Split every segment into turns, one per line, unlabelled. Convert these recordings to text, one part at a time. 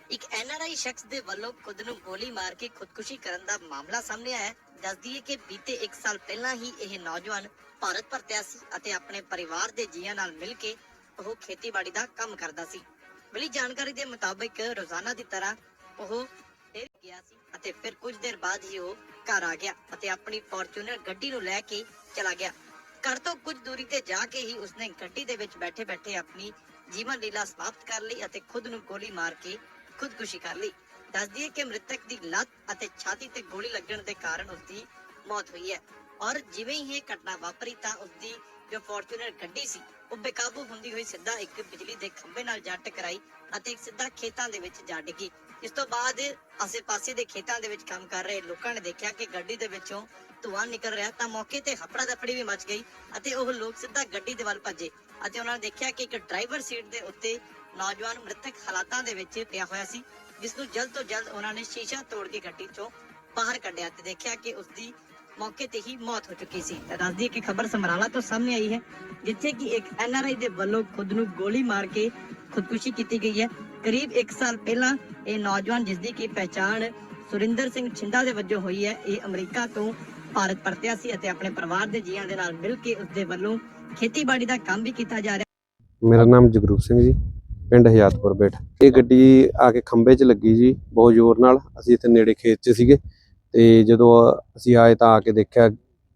ਇੱਕ NRI ਸ਼ਖਸ ਦੇ ਵੱਲੋਂ ਖੁਦ ਨੂੰ ਗੋਲੀ ਮਾਰ ਕੇ ਖੁਦਕੁਸ਼ੀ ਕਰਨ ਦਾ ਮਾਮਲਾ ਸਾਹਮਣੇ ਆਇਆ ਹੈ। ਦੱਸ ਦਈਏ ਕਿ ਬੀਤੇ 1 ਸਾਲ ਪਹਿਲਾਂ ਹੀ ਇਹ ਨੌਜਵਾਨ ਭਾਰਤ ਪਰਤਿਆ ਸੀ ਅਤੇ ਆਪਣੇ ਪਰਿਵਾਰ ਦੇ ਜੀਆਂ ਨਾਲ ਮਿਲ ਕੇ ਉਹ ਖੇਤੀਬਾੜੀ ਦਾ ਕੰਮ ਕਰਦਾ ਸੀ। ਮਿਲੀ ਜਾਣਕਾਰੀ ਦੇ ਮੁਤਾਬਿਕ ਰੋਜ਼ਾਨਾ ਦੀ ਤਰ੍ਹਾਂ ਉਹ ਫਿਰ ਗਿਆ ਸੀ ਅਤੇ ਫਿਰ ਕੁਝ ਦੇਰ ਬਾਅਦ ਹੀ ਉਹ ਘਰ ਆ ਗਿਆ ਅਤੇ ਆਪਣੀ ਫੋਰਚੂਨਰ ਗੱਡੀ ਨੂੰ ਲੈ ਕੇ ਚਲਾ ਗਿਆ। ਘਰ ਤੋਂ ਕੁਝ ਦੂਰੀ ਤੇ ਜਾ ਕੇ ਹੀ ਉਸਨੇ ਗੱਡੀ ਦੇ ਵਿੱਚ ਬੈਠੇ-ਬੈਠੇ ਆਪਣੀ ਜੀਵਨ ਲੀਲਾ ਸਮਾਪਤ ਕਰ ਲਈ ਅਤੇ ਖੁਦ ਨੂੰ ਗੋਲੀ ਮਾਰ ਕੇ ਖੁਦਕੁਸ਼ੀ ਕਰ ਲਈ। ਦੱਸ ਦਈਏ ਕਿ ਮ੍ਰਿਤਕ ਦੀ ਲੱਤ ਅਤੇ ਛਾਤੀ ਤੇ ਗੋਲੀ ਲੱਗਣ ਦੇ ਕਾਰਨ ਉਸਦੀ ਮੌਤ ਹੋਈ ਹੈ ਔਰ ਜਿਵੇਂ ਹੀ ਇਹ ਘਟਨਾ ਵਾਪਰੀ ਤਾਂ ਉਸਦੀ ਜੋ ਫੋਰਚੂਨਰ ਗੱਡੀ ਸੀ ਉਹ ਬੇਕਾਬੂ ਹੁੰਦੀ ਹੋਈ ਸਿੱਧਾ ਇੱਕ ਬਿਜਲੀ ਦੇ ਖੰਭੇ ਨਾਲ ਜਾ ਟਕਰਾਈ ਅਤੇ ਇੱਕ ਸਿੱਧਾ ਖੇਤਾਂ ਦੇ ਵਿੱਚ ਜਾ ਡਿੱਗੀ। ਇਸ ਤੋਂ ਬਾਅਦ ਆਸੇ-ਪਾਸੇ ਦੇ ਖੇਤਾਂ ਦੇ ਵਿੱਚ ਕੰਮ ਕਰ ਰਹੇ ਲੋਕਾਂ ਨੇ ਦੇਖਿਆ ਕਿ ਗੱਡੀ ਦੇ ਵਿੱਚੋਂ ਧੂੰਆਂ ਨਿਕਲ ਰਿਹਾ ਤਾਂ ਮੌਕੇ ਤੇ ਹਫੜਾ ਦਫੜੀ ਵੀ ਮਚ ਗਈ ਅਤੇ ਉਹ ਲੋਕ ਸਿੱਧਾ ਗੱਡੀ ਦੇ ਵੱਲ ਭੱਜੇ ਅਤੇ ਉਹਨਾਂ ਨੇ ਦੇਖਿਆ ਕਿ ਇੱਕ ਡਰਾਈਵਰ ਸੀਟ ਦੇ ਉੱਤੇ ਨੌਜਵਾਨ ਮ੍ਰਿਤਕ ਹਾਲਾਤਾਂ ਦੇ ਵਿੱਚ ਪਿਆ ਹੋਇਆ ਸੀ, ਜਿਸ ਨੂੰ ਜਲਦ ਤੋਂ ਜਲਦ ਉਹਨਾਂ ਨੇ ਸ਼ੀਸ਼ਾ ਤੋੜ ਕੇ ਗੱਡੀ ਚੋਂ ਬਾਹਰ ਕੱਢਿਆ ਤੇ ਦੇਖਿਆ ਕਿ ਉਸਦੀ ਮੌਕੇ ਤੇ ਹੀ ਮੌਤ ਹੋ ਚੁੱਕੀ ਸੀ। ਤਾਂ ਦੱਸ ਦਈਏ ਕਿ ਖਬਰ ਸਮਰਾਲਾ ਤੋਂ ਸਾਹਮਣੇ ਆਈ ਹੈ, ਜਿੱਥੇ ਕਿ ਇੱਕ NRI ਦੇ ਵੱਲੋਂ ਖੁਦ ਨੂੰ ਗੋਲੀ ਮਾਰ ਕੇ ਖੁਦਕੁਸ਼ੀ ਕੀਤੀ ਗਈ ਹੈ। ਕਰੀਬ 1 ਸਾਲ ਪਹਿਲਾਂ ਇਹ ਨੌਜਵਾਨ, ਜਿਸ ਦੀ ਕੀ ਪਹਿਚਾਣ ਸੁਰਿੰਦਰ ਸਿੰਘ ਛਿੰਦਾ ਦੇ ਵਜੋਂ ਹੋਈ ਹੈ, ਇਹ ਅਮਰੀਕਾ ਤੋਂ ਭਾਰਤ ਪਰਤਿਆ ਸੀ ਅਤੇ ਆਪਣੇ ਪਰਿਵਾਰ ਦੇ ਜੀਆਂ ਦੇ ਨਾਲ ਮਿਲ ਕੇ ਉਸਦੇ ਵੱਲੋਂ ਖੇਤੀਬਾੜੀ ਦਾ ਕੰਮ ਵੀ ਕੀਤਾ ਜਾ ਰਿਹਾ।
ਮੇਰਾ ਨਾਮ ਜਗਰੂਪ ਸਿੰਘ ਜੀ, ਪਿੰਡ ਹਯਾਤਪੁਰ ਬੇਟ। ਇਹ ਗੱਡੀ ਆ ਕੇ ਖੰਭੇ 'ਚ ਲੱਗੀ ਜੀ ਬਹੁਤ ਜ਼ੋਰ ਨਾਲ। ਅਸੀਂ ਇੱਥੇ ਨੇੜੇ ਖੇਤ 'ਚ ਸੀਗੇ ਤੇ ਜਦੋਂ ਅਸੀਂ ਆਏ ਤਾਂ ਆ ਕੇ ਦੇਖਿਆ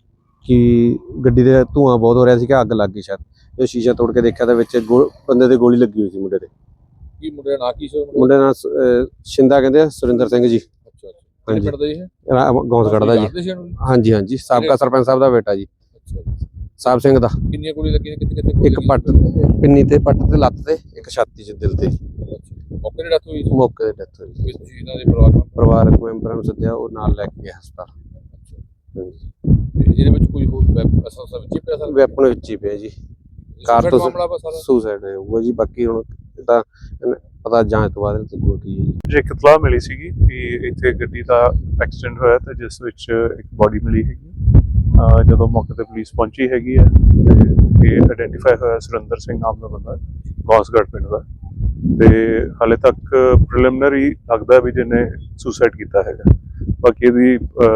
ਕਿ ਗੱਡੀ ਦੇ ਧੂੰਆਂ ਬਹੁਤ ਹੋ ਰਿਹਾ ਸੀ ਕਿ ਅੱਗ ਲੱਗ ਗਈ ਸ਼ਾਇਦ। ਜਦੋਂ ਸ਼ੀਸ਼ਾ ਤੋੜ ਕੇ ਦੇਖਿਆ ਤਾਂ ਵਿੱਚ ਬੰਦੇ ਦੇ ਗੋਲੀ ਲੱਗੀ ਹੋਈ ਸੀ ਮੁੰਡੇ ਦੇ।
ਕੀ ਮੁੰਡੇ ਦਾ ਨਾਂ ਕੀ ਸੀ?
ਮੁੰਡੇ ਦਾ ਛਿੰਦਾ ਕਹਿੰਦੇ ਆ, ਸੁਰਿੰਦਰ ਸਿੰਘ ਜੀ।
ਅੱਛਾ ਅੱਛਾ,
ਹਾਂਜੀ,
ਪਿੰਡ ਦਾ ਹੀ ਹੈ,
ਗੌਂਸਗੜ੍ਹ ਦਾ ਜੀ। ਹਾਂਜੀ ਹਾਂਜੀ, ਸਾਬਕਾ ਸਰਪੰਚ ਸਾਹਿਬ ਦਾ ਬੇਟਾ ਜੀ,
ਅੱਛਾ।
ਸਾਹਿਬ ਸਿੰਘ ਦਾ।
ਕਿੰਨੀਆਂ ਗੋਲੀ ਲੱਗੀਆਂ, ਕਿੱਥੇ
ਇੱਕ ਪੱਟ ਪਿੰਨੀ ਤੇ, ਪੱਟ ਤੇ, ਲੱਤ ਤੇ, ਇੱਕ ਛਾਤੀ 'ਚ, ਦਿਲ ਤੇ।
ਮੌਕੇ ਤੇ ਡੈਥ ਹੋਈ?
ਮੌਕੇ ਤੇ ਡੈਥ ਹੋਈ ਜੀ।
ਇਹਨਾਂ ਦੇ
ਪਰਿਵਾਰਕ ਮੈਂਬਰਾਂ ਨੂੰ ਸੱਦਿਆ, ਉਹ ਨਾਲ ਲੈ ਕੇ ਗਏ ਹਸਪਤਾਲ।
ਹਾਂਜੀ, ਜਿਹਦੇ ਵਿੱਚ ਕੋਈ ਹੋਰ ਵੈਪਨ ਵਿੱਚ ਪਿਆ ਸਰ?
ਵੈਪਨ ਵਿੱਚ ਹੀ ਪਿਆ ਜੀ। ਕਾਰਤੂਸ ਸੁਸਾਈਡ ਹੋਊਗਾ ਜੀ। ਬਾਕੀ ਹੁਣ ਤਾਂ ਪਤਾ ਜਾਂਚ ਤੋਂ ਬਾਅਦ ਲੱਗੂਗਾ ਕੀ ਹੈ ਜੀ।
ਇੱਕ ਇਤਲਾਹ ਮਿਲੀ ਸੀਗੀ ਕਿ ਇੱਥੇ ਗੱਡੀ ਦਾ ਐਕਸੀਡੈਂਟ ਹੋਇਆ ਤੇ ਜਿਸ ਵਿੱਚ ਇੱਕ ਬੋਡੀ ਮਿਲੀ ਹੈਗੀ। ਜਦੋਂ ਮੌਕੇ ਤੇ ਪੁਲਿਸ ਪਹੁੰਚੀ ਹੈਗੀ ਹੈ ਤੇ ਇਹ ਆਇਡੈਂਟੀਫਾਈ ਹੋਇਆ ਸੁਰਿੰਦਰ ਸਿੰਘ ਨਾਮ ਦਾ ਬੰਦਾ, ਗੌਂਸਗੜ੍ਹ ਪਿੰਡ ਦਾ। ਤੇ ਹਾਲੇ ਤੱਕ ਪ੍ਰੀਲਿਮਿਨਰੀ ਲੱਗਦਾ ਵੀ ਜਿਹਨੇ ਸੁਸਾਈਡ ਕੀਤਾ ਹੈਗਾ। ਬਾਕੀ ਇਹਦੀ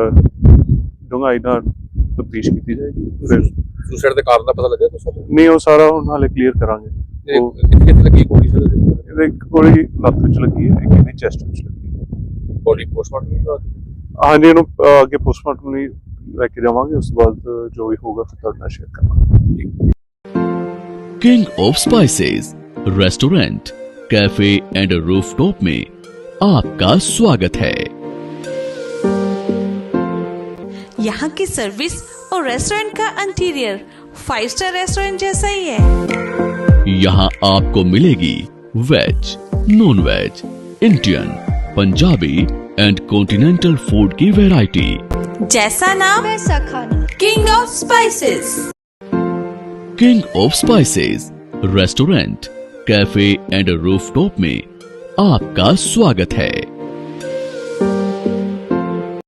ਡੂੰਘਾਈ ਨਾਲ ਤਫਤੀਸ਼ ਕੀਤੀ ਜਾਏਗੀ।
ਸੁਸਾਈਡ ਦੇ ਕਾਰਨ ਦਾ ਪਤਾ ਲੱਗਿਆ ਕੁਛ?
ਨਹੀਂ, ਉਹ ਸਾਰਾ ਹੁਣ ਹਾਲੇ ਕਲੀਅਰ ਕਰਾਂਗੇ।
ਕਿੱਥੇ ਲੱਗੀ ਗੋਲੀ ਸਰ?
ਇਹਦੇ ਇੱਕ ਗੋਲੀ ਲੱਤ ਵਿੱਚ ਲੱਗੀ ਹੈ, ਇੱਕ ਇਹਦੀ ਚੈਸਟ ਵਿੱਚ ਲੱਗੀ।
Body postmortem?
ਹਾਂਜੀ, ਇਹਨੂੰ ਅੱਗੇ ਪੋਸਟਮਾਰਟਮ ਲਈ ਲੈ ਕੇ ਜਾਵਾਂਗੇ। ਉਸ ਤੋਂ ਬਾਅਦ ਜੋ ਵੀ ਹੋਊਗਾ ਫਿਰ ਤੁਹਾਡੇ ਨਾਲ ਸ਼ੇਅਰ ਕਰਾਂਗੇ।
King of spices restaurant, cafe and rooftop में आपका स्वागत है।
यहाँ की सर्विस और रेस्टोरेंट का इंटीरियर 5 स्टार रेस्टोरेंट जैसा ही है।
यहाँ आपको मिलेगी veg, non veg, Indian, Punjabi and continental food की वैरायटी।
जैसा नाम वैसा खाना। King of spices.
King of spices restaurant, cafe and rooftop में आपका स्वागत है।